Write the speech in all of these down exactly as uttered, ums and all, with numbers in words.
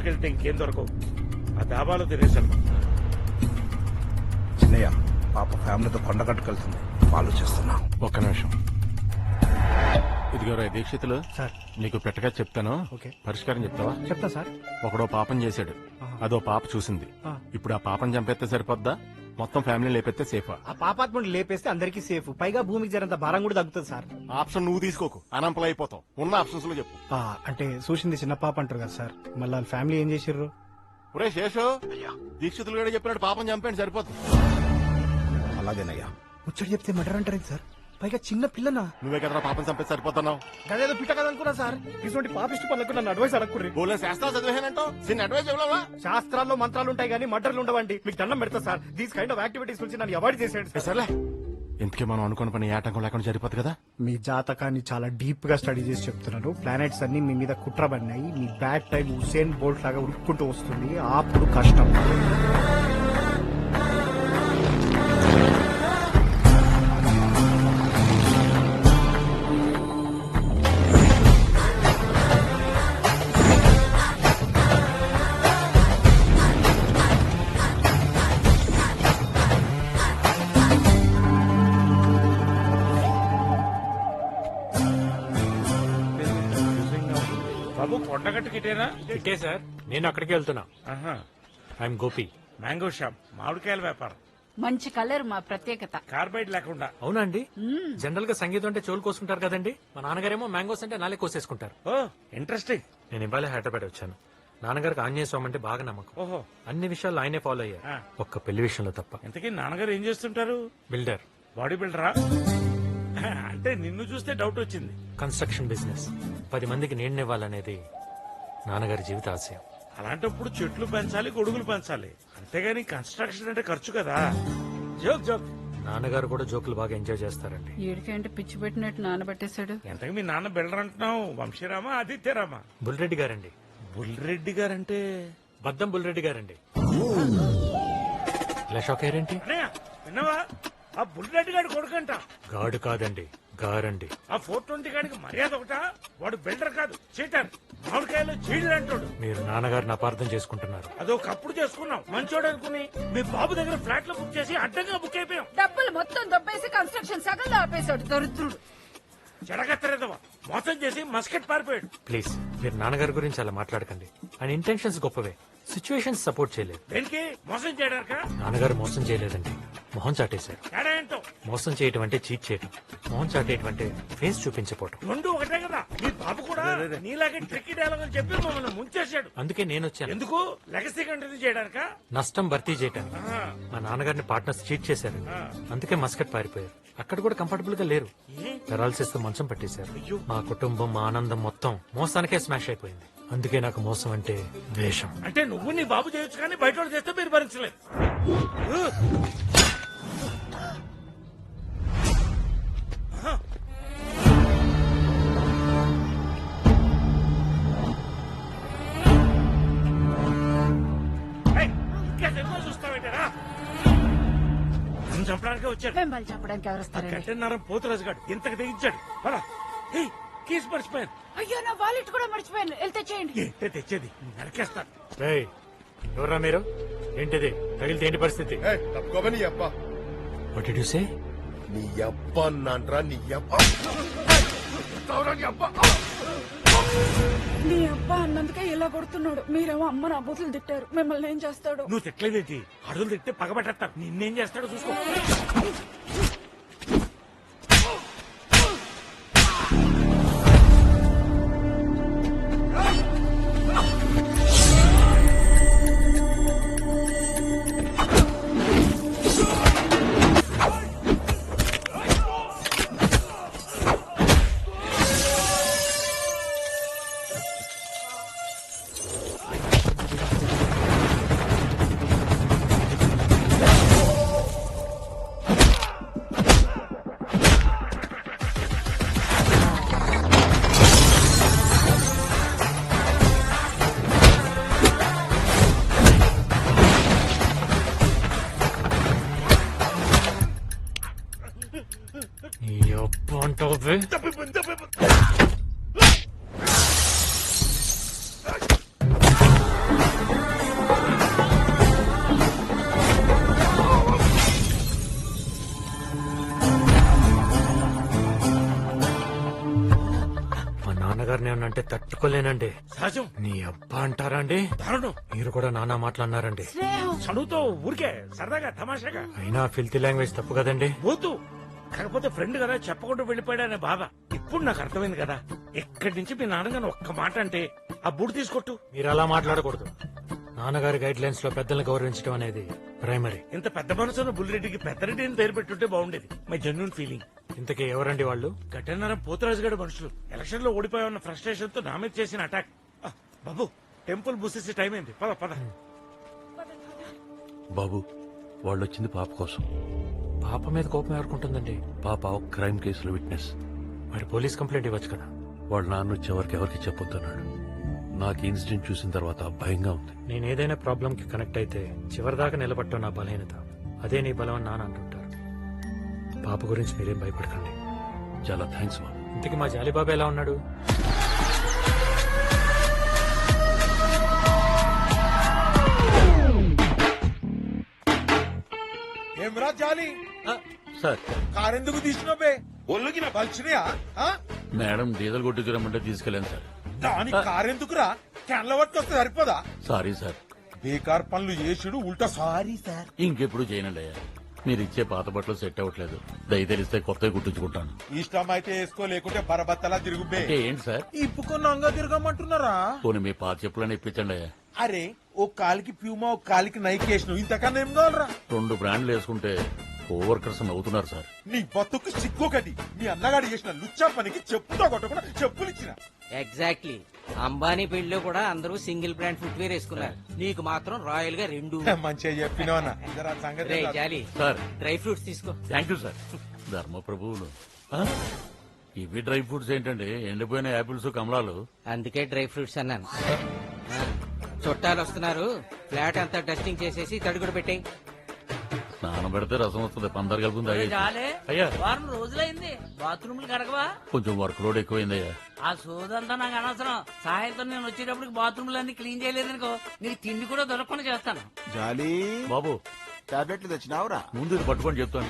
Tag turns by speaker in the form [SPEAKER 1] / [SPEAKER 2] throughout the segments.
[SPEAKER 1] దగ్గరికి వెళ్తే ఇంకేం దొరకవు. ఆ దాబాలో తినేసాను.
[SPEAKER 2] చిన్నయ్య పాప ఫ్యామిలీతో కొండగట్టుకెళ్తుంది, ఆలోచిస్తున్నా.
[SPEAKER 3] ఒక్క నిమిషం. ఇదిగోరా దీక్షితులు,
[SPEAKER 4] సార్
[SPEAKER 3] నీకు పెట్టగా చెప్తాను.
[SPEAKER 4] ఓకే.
[SPEAKER 3] పరిష్కారం చెప్తావా?
[SPEAKER 4] చెప్తా సార్.
[SPEAKER 3] ఒకడో పాపం చేశాడు, అదో పాప చూసింది. ఇప్పుడు ఆ పాపం చంపేస్తే సరిపోద్దా, మొత్తం ఫ్యామిలీ లేపెత్తే సేఫా?
[SPEAKER 4] ఆ పాపాత్ముడిని లేపేస్తే అందరికీ సేఫ్, పైగా భూమికి జరంత భారం కూడా తగ్గుతుంది సార్.
[SPEAKER 3] ఆప్షన్ నువ్వు తీసుకోకు, అనంపలు అయిపోతావు. ఉన్న ఆప్షన్స్ లో చెప్పు.
[SPEAKER 4] ఆ, అంటే చూసింది చిన్న పాప అంటారు కదా సార్, మళ్ళీ వాళ్ళ ఫ్యామిలీ ఏం చేసిర్రు?
[SPEAKER 3] ఒరే శేషు, దీక్షితులు కూడా చెప్పినట్టు పాపం చంపేయండి సరిపోద్ది.
[SPEAKER 2] అలాగేనయ్యా.
[SPEAKER 4] ముచ్చట చెప్తే మర్డర్ అంటారు సార్, పైగా చిన్న పిల్లనా?
[SPEAKER 3] నువ్వే కదరా పాపం చంపేసి సరిపోతున్నావు.
[SPEAKER 4] గదేదో పిట్ట కదా అనుకున్నా సార్. ఇటువంటి పాపిష్టి పనులకు నన్ను అడ్వైస్ అడగకుర్రి.
[SPEAKER 3] బోలే శాస్త్రాలు చదివేనంటావు, చిన్న అడ్వైస్ ఇవ్వలేవా?
[SPEAKER 4] శాస్త్రాల్లో మంత్రాలు ఉంటాయి కానీ మర్డర్లు ఉండవండి. మీకు దండం పెడతా sir, these kind of activities నుంచి నన్ను అవాయిడ్ చేసేయండి
[SPEAKER 3] ఏ సర్లే, ఇంతకీ మనం అనుకున్న పని ఏ ఆటంకం లేకుండా సరిపోద్ది కదా.
[SPEAKER 4] మీ జాతకాన్ని చాలా డీప్ గా స్టడీ చేసి చెప్తున్నారు. ప్లానెట్స్ అన్ని మీ మీద కుట్రబడినాయి. మీ బ్యాడ్ టైం హుసేన్ బోల్ట్ లాగా ఉరుక్కుంటూ వస్తుంది, అప్పుడు కష్టం.
[SPEAKER 1] బాబు కొండగట్టుకి ఇటేనా?
[SPEAKER 5] ఇటే సార్, నేను అక్కడికి వెళ్తున్నా.
[SPEAKER 1] ఆహా.
[SPEAKER 5] ఐఎమ్ గోపి.
[SPEAKER 1] మ్యాంగో షాప్, మామిడికాయల వ్యాపారం.
[SPEAKER 6] మంచి కలర్ మా ప్రత్యేకత.
[SPEAKER 1] కార్బైడ్ లేకుండా.
[SPEAKER 5] అవునా అండి? జనరల్ గా సంగీతం అంటే చెవులు కోసుకుంటారు కదండి, మా నాన్నగారేమో మ్యాంగోస్ అంటే నాలే కోసేసుకుంటారు.
[SPEAKER 1] ఓ ఇంట్రెస్టింగ్.
[SPEAKER 5] నేను ఇవాళ హైదరాబాద్ వచ్చాను. నాన్నగారికి ఆంజనేయ స్వామి అంటే బాగా నమ్మకం.
[SPEAKER 1] ఓహో.
[SPEAKER 5] అన్ని విషయాలు ఆయనే ఫాలో అయ్యారు,
[SPEAKER 1] ఆ.
[SPEAKER 5] ఒక్క పెళ్లి విషయంలో తప్ప.
[SPEAKER 1] ఇంతకీ నాన్నగారు ఏం చేస్తుంటారు?
[SPEAKER 5] బిల్డర్.
[SPEAKER 1] బాడీ బిల్డరా? అంటే నిన్ను చూస్తే డౌట్ వచ్చింది.
[SPEAKER 5] Construction business. పది మందికి నీడనివ్వాలనేది నాన్నగారి జీవిత ఆశయం.
[SPEAKER 1] అలాంటప్పుడు చెట్లు పెంచాలి, గొడుగులు పెంచాలి, అంతేగాని కన్స్ట్రక్షన్ అంటే ఖర్చు కదా. Joke joke.
[SPEAKER 5] నాన్నగారు కూడా జోకులు బాగా ఎంజాయ్ చేస్తారండి.
[SPEAKER 6] ఏడికంటే పిచ్చి పెట్టినట్టు నానబెట్టేశాడు.
[SPEAKER 1] ఎంతకు మీ నాన్న బిల్డర్ అంటున్నావు? వంశీరామా, ఆదిత్యరామా?
[SPEAKER 5] బుల్రెడ్డి గారండి.
[SPEAKER 1] బుల్రెడ్డి గారంటే?
[SPEAKER 5] బద్దం బుల్రెడ్డి గారండి. ఇలా షాక్ అయ్యారేంటి?
[SPEAKER 1] అన్నయ్య విన్నావా? ఆ బుల్రెడ్డి గారి కొడుకంట.
[SPEAKER 5] గాడు కాదండి, గారండి.
[SPEAKER 1] ఆ ఫోర్ ట్వంటీ గాడికి మర్యాద ఒకటా? వాడు బిల్డర్ కాదు, చీటర్. మామిడికాయలు చీడలు అంటాడు.
[SPEAKER 5] మీరు నాన్నగారిని అపార్థం చేసుకుంటున్నారు.
[SPEAKER 1] అదో కప్పుడు చేసుకున్నాం, మంచోడు అనుకుని మీ బాబు దగ్గర ఫ్లాట్ లో బుక్ చేసి అడ్డంగా బుక్ అయిపోయాం.
[SPEAKER 6] డబ్బులు మొత్తం దొబ్బేసి కన్స్ట్రక్షన్ సగంలో ఆపేశాడు దరిద్రుడు.
[SPEAKER 1] చెడగత్తరేదవా, మోసం చేసి మస్కెట్ పారిపోయాడు.
[SPEAKER 5] ప్లీజ్, మీరు నాన్నగారి గురించి అలా మాట్లాడకండి. ఆయన ఇంటెన్షన్స్ గొప్పవే, సిచ్యువేషన్స్ సపోర్ట్ చేయలేదు.
[SPEAKER 1] దేనికి? మోసం చేయడానికా?
[SPEAKER 5] నాన్నగారు మోసం చేయలేదండి, మొహం చాటేశారు.
[SPEAKER 1] తేడా ఏంటో?
[SPEAKER 5] మోసం చేయటం అంటే చీట్ చేయటం, మొహం చాటేయటం అంటే ఫేస్ చూపించపోవటం.
[SPEAKER 1] రెండు ఒకటే కదా. మీ బాబు కూడా నీలాగే ట్రిక్కీ డైలాగ్ అని చెప్పి మమ్మల్ని ముంచేశాడు.
[SPEAKER 5] అందుకే నేను వచ్చాను.
[SPEAKER 1] ఎందుకు? లెగసీ కంటిన్యూ చేయడానికా?
[SPEAKER 5] నష్టం భర్తీ చేయటానికి.
[SPEAKER 1] ఆ.
[SPEAKER 5] మా నాన్నగారిని పార్ట్నర్స్ చీట్ చేశారు,
[SPEAKER 1] ఆ.
[SPEAKER 5] అందుకే మస్కట్ పారిపోయారు. అక్కడ కూడా కంఫర్టబుల్ గా లేరు,
[SPEAKER 1] ఏ?
[SPEAKER 5] పెరాలసిస్ తో మంచం పట్టేశారు.
[SPEAKER 1] అయ్యో.
[SPEAKER 5] మా కుటుంబం, మా ఆనందం మొత్తం మోసానికే స్మాష్ అయిపోయింది. అందుకే నాకు మోసం అంటే ద్వేషం.
[SPEAKER 1] అంటే నువ్వు నీ బాబు చేయొచ్చు కానీ బయట వాళ్ళు చేస్తే మీరు భరించలేదు. ఏయ్, ఇంకా సినిమా చూస్తావేంటారా? నన్ను చంపడానికి వచ్చాడు.
[SPEAKER 6] మిమ్మల్ని చెప్పడానికి ఎవరు వస్తారండి?
[SPEAKER 1] కట్టెన్నరం పోతురాజు గాడు ఇంతకు తెగించాడు. పద. ఏయ్, కీస్ మర్చిపోయాను.
[SPEAKER 6] అయ్యో, నా వాలెట్ కూడా మర్చిపోయాను. వెళ్తే చేయండి.
[SPEAKER 1] ఏంటే తెచ్చేది? నరికేస్తాను.
[SPEAKER 5] ఏయ్, ఎవరా మీరు? ఏంటిది? తగిలితే ఏంటి పరిస్థితి?
[SPEAKER 2] తప్పుకోమని అబ్బా.
[SPEAKER 5] What did you say?
[SPEAKER 2] నీ అబ్బా అన్నాన్రా, నీ అబ్బా.
[SPEAKER 6] నీ అబ్బా అన్నందుకే ఇలా కొడుతున్నాడు. మీరేమో అమ్మ నా బూతులు తిట్టారు. మిమ్మల్ని ఏం చేస్తాడు?
[SPEAKER 1] నువ్వు తిట్టలేదేంటి? అడుగులు తిట్టే పగబెట్టేస్తాను. నిన్నేం చేస్తాడో చూసుకో.
[SPEAKER 5] అంటావే?
[SPEAKER 1] తప్పిపోయింది, తప్పిపోయింది.
[SPEAKER 5] నాన్నగారిని ఏమన్నా అంటే తట్టుకోలేనండి.
[SPEAKER 1] సహజం.
[SPEAKER 5] నీ అబ్బా అంటారా అండి?
[SPEAKER 1] దారుణం.
[SPEAKER 5] మీరు కూడా నానా మాట్లాడినారండి.
[SPEAKER 1] చదువుతో ఊరికే సరదాగా తమాషాగా
[SPEAKER 5] అయినా ఫిల్తీ లాంగ్వేజ్ తప్పు కదండి.
[SPEAKER 1] పోతూ కాకపోతే ఫ్రెండ్ కదా చెప్పకుండా వెళ్ళిపోయాడనే బాధ ఇప్పుడు నాకు అర్థమైంది కదా. ఎక్కడి నుంచి మీ నాన్నగారు ఒక్క మాట అంటే ఆ బూడి తీసుకొట్టు.
[SPEAKER 5] మీరు అలా మాట్లాడకూడదు. నాన్నగారి గైడ్ లైన్స్ లో పెద్దల్ని గౌరవించడం అనేది ప్రైమరీ.
[SPEAKER 1] ఇంత పెద్ద మనసున్న బుల్లిరెడ్డికి పెద్దరెడ్డి అని పేరు పెట్టుంటే బాగుండేది. My genuine feeling.
[SPEAKER 5] ఇంతకీ ఎవరండి వాళ్ళు?
[SPEAKER 1] గట్టన్నరం పోతరాజు గడ మనుషులు ఎలక్షన్ లో ఓడిపోయామన్న ఫ్రస్ట్రేషన్ తో నా మీద చేసిన అటాక్. ఆ, బాబు టెంపుల్ బుసేసి టైం అయింది. పద పద.
[SPEAKER 7] బాబు వాళ్ళు వచ్చింది పాప కోసం.
[SPEAKER 5] పాప మీద కోపం ఎవరుకుంటుందండి?
[SPEAKER 7] పాప ఒక క్రైమ్ కేసులో విట్నెస్.
[SPEAKER 5] మరి పోలీస్ కంప్లైంట్ ఇవ్వచ్చు కదా.
[SPEAKER 7] వాళ్ళ నాన్న వచ్చేవరకు ఎవరికి చెప్పొద్దన్నాడు. నాకు ఈ ఇన్సిడెంట్ చూసిన తర్వాత భయంగా ఉంది.
[SPEAKER 5] నేను ఏదైనా ప్రాబ్లం కి కనెక్ట్ అయితే చివరిదాకా నిలబట్టడం నా బలహీనత. అదే నీ బలం అని నాన్న అంటుంటారు. పాప గురించి మీరేం భయపడకండి.
[SPEAKER 7] చాలా థ్యాంక్స్ బాబు.
[SPEAKER 5] ఇంతకీ మా జాలీబాబు ఎలా ఉన్నాడు?
[SPEAKER 8] ఏమ్రా జాలి
[SPEAKER 7] సార్
[SPEAKER 8] కారెందుకు తీసినవే? ఒళ్ళుకి నా పలిచినయా?
[SPEAKER 7] మేడం డీజిల్ కొట్టుకురమ్మంటే తీసుకెళ్ళాను సార్.
[SPEAKER 8] దాని కారెందుకురా? క్యాన్ల పట్టుకొస్తే సరిపోదా?
[SPEAKER 7] Sorry sir.
[SPEAKER 8] బేకార్ పనులు చేసుడు ఉల్టా సారీ సార్.
[SPEAKER 7] ఇంకెప్పుడు చేయనండి అయ్యా. మీరు ఇచ్చే పాత బట్టలు సెట్ అవ్వట్లేదు. దయ తెలిస్తే కొత్తవి కుట్టించుకుంటాను.
[SPEAKER 8] ఇష్టం అయితే వేసుకో, లేకుంటే బరబత్తలా తిరుగుబే.
[SPEAKER 7] అంటే ఏంటి సార్?
[SPEAKER 8] ఇప్పుకొని అంగా తిరగమంటున్నారా?
[SPEAKER 7] పోనీ మీ పాత చెప్పులని ఇప్పించండి అయ్యా.
[SPEAKER 8] అరే ఓ కాలికి ప్యూమా ఒక కాలికి నైక్ వేసినావు, ఇంతకన్నా ఏం కావాలరా?
[SPEAKER 7] రెండు బ్రాండ్లు వేసుకుంటే కోవర్కర్స్ నవ్వుతున్నారు సార్.
[SPEAKER 8] నీ బతుకు సిగ్గొకటి. మీ అన్నగాడు చేసిన లుచ్చా పనికి చెప్పుతో కొట్టకుండా చెప్పులు ఇచ్చిన.
[SPEAKER 9] ఎగ్జాక్ట్లీ. అంబానీ పెళ్లిలో కూడా అందరూ సింగిల్ బ్రాండ్ ఫుట్వేర్ వేసుకున్నారు. నీకు మాత్రం రాయల్ గా రెండు.
[SPEAKER 8] మంచిగా చెప్పినావు అన్న. జరా సంగతి
[SPEAKER 9] రే
[SPEAKER 8] ఏంటో
[SPEAKER 9] జాలి,
[SPEAKER 7] సార్
[SPEAKER 9] డ్రై ఫ్రూట్స్ తీసుకో.
[SPEAKER 7] Thank you sir. ధర్మ ప్రభువులు ఆ? ఇవి డ్రై ఫ్రూట్స్ ఏంటండి? ఎండిపోయిన యాపిల్స్ కమలాలు.
[SPEAKER 9] అందుకే డ్రై ఫ్రూట్స్ అన్నాను. ఆ, చుట్టాలు వస్తున్నారు. ఫ్లాట్ అంతా డస్టింగ్ చేసేసి తడుగుడు పెట్టాయి.
[SPEAKER 7] స్నానం పెడితే రసం వస్తుంది. పందరు కలుపుంది అయ్యా.
[SPEAKER 10] వారం రోజులైంది బాత్రూమ్లు కడగవా?
[SPEAKER 7] కొంచెం వర్క్ లోడ్ ఎక్కువైందయ్యా.
[SPEAKER 10] ఆ సోదంతా నాకు అనవసరం. సాయంత్రం నేను వచ్చేటప్పటికి బాత్రూమ్లు అన్ని క్లీన్ చేయలేదనుకో నీకు తిండి కూడా దొరకకుండా చేస్తాను.
[SPEAKER 2] జాలి
[SPEAKER 7] బాబు
[SPEAKER 2] టాబ్లెట్లు తెచ్చినావురా?
[SPEAKER 7] ముందు ఇది పట్టుకొని చెప్తాను.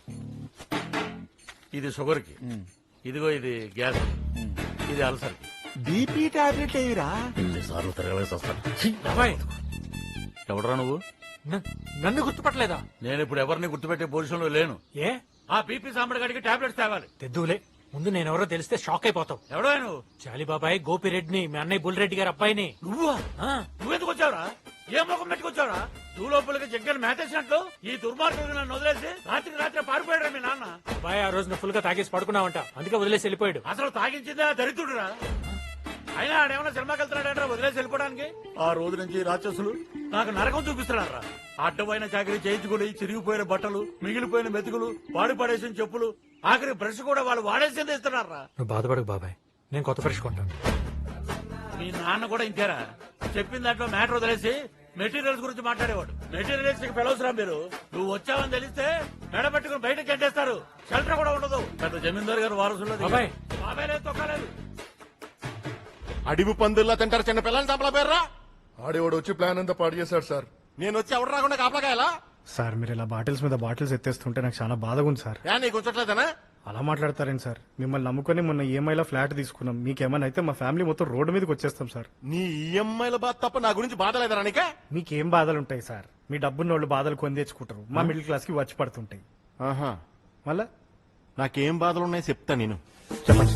[SPEAKER 7] ఇది షుగర్ కి, ఇదిగో ఇది గ్యాస్, ఇది అల్సర్ కి.
[SPEAKER 2] బీపీ టాబ్లెట్లు ఏవిరా?
[SPEAKER 7] ఎన్నిసార్లు తిరగలేసి వస్తాను.
[SPEAKER 5] అబ్బాయి,
[SPEAKER 7] ఎవడరా నువ్వు?
[SPEAKER 5] న- నన్ను గుర్తుపట్టలేదా?
[SPEAKER 7] నేను ఇప్పుడు ఎవరిని గుర్తుపెట్టే పొజిషన్ లో లేను.
[SPEAKER 5] ఏ
[SPEAKER 7] ఆ బీపీ సాంబడి గడికి టాబ్లెట్స్ తేవాలి.
[SPEAKER 5] తెద్దులే. ముందు నేనెవరో తెలిస్తే షాక్ అయిపోతావు.
[SPEAKER 7] ఎవడో నువ్వు?
[SPEAKER 5] జాలీబాబాయ్ గోపిరెడ్డిని, మీ అన్నయ్య బుల్రెడ్డి గారి అబ్బాయిని.
[SPEAKER 7] నువ్వా?
[SPEAKER 5] ఆ,
[SPEAKER 7] నువ్వెందుకు వచ్చావురా? ఏ ముఖం పెట్టుకొచ్చావురా? నువ్వు లోపలికి జగ్గలు మేతేసినట్లు ఈ దుర్మార్గుడు నన్ను వదిలేసి రాత్రికి రాత్రి పారిపోయాడు మీ నాన్న.
[SPEAKER 5] అబ్బాయి ఆ రోజున ఫుల్ గా తాగేసి పడుకున్నావంట, అందుకే వదిలేసి వెళ్ళిపోయాడు.
[SPEAKER 7] అసలు తాగించిందే ఆ దరిద్రుడురా. అయినా ఆడేమన్నా సినిమాకి వెళ్తున్నాడంటే వదిలేసి వెళ్ళిపోవడానికి. ఆ రోజు నుంచి రాక్షసులు నాకు నరకం చూపిస్తున్నారా. అడ్డమైన చాకరీ చేయించుకుని చిరిగిపోయిన బట్టలు, మిగిలిపోయిన మెతుకులు, వాడి పడేసిన చెప్పులు, ఆఖరి బ్రష్ కూడా వాళ్ళు వాడేసింది ఇస్తున్నారా.
[SPEAKER 5] నువ్వు బాధపడకు బాబాయ్, నేను కొత్త బ్రష్ కొంటాను.
[SPEAKER 7] మీ నాన్న కూడా ఇంతేరా. చెప్పిన దాంట్లో మ్యాటర్ వదిలేసి మెటీరియల్స్ గురించి మాట్లాడేవాడు. మెటీరియల్స్ కి పిలవసరా మీరు? నువ్వు వచ్చావని తెలిస్తే మెడ పెట్టుకుని బయటకు గంటేస్తారు. షెల్టర్ కూడా ఉండదు. పెద్ద జమీందారు గారు వారసుల్లో
[SPEAKER 5] బాబాయ్.
[SPEAKER 7] బాబాయ్ లేదు, తొక్కలేదు.
[SPEAKER 3] అడివి పందుల్లా తింటారు చిన్న పిల్లల్ని చంపల పేర్రా.
[SPEAKER 11] ఆడేవాడు వచ్చి ప్లాన్ అంతా పాడు చేశాడు సార్.
[SPEAKER 3] నేను వచ్చి ఎవరు రాకుండా కాపలాకాయలా?
[SPEAKER 4] సార్ మీరు ఇలా బాటిల్స్ మీద బాటిల్స్ ఎత్తేస్తుంటే నాకు చాలా బాధగా ఉంది సార్.
[SPEAKER 3] యా నీకు ఉంచట్లేదనా?
[SPEAKER 4] అలా మాట్లాడతారేంటి సార్? మిమ్మల్ని నమ్ముకొని మొన్న ఈఎంఐలో ఫ్లాట్ తీసుకున్నాం. మీకేమైనా అయితే మా ఫ్యామిలీ మొత్తం రోడ్డు మీదకి వచ్చేస్తాం సార్.
[SPEAKER 3] నీ ఈఎంఐల బాధ తప్ప నా గురించి బాధ లేదరా నీకే?
[SPEAKER 4] మీకేం బాధలు ఉంటాయి సార్? మీ డబ్బున్న వాళ్ళు బాధలు కొని తెచ్చుకుంటారు. మా మిడిల్ క్లాస్ కి వచ్చి పడుతుంటాయి.
[SPEAKER 3] ఆహా,
[SPEAKER 4] మళ్ళా
[SPEAKER 3] నాకేం బాధలు ఉన్నాయో చెప్తా నేను.
[SPEAKER 4] చెప్పండి.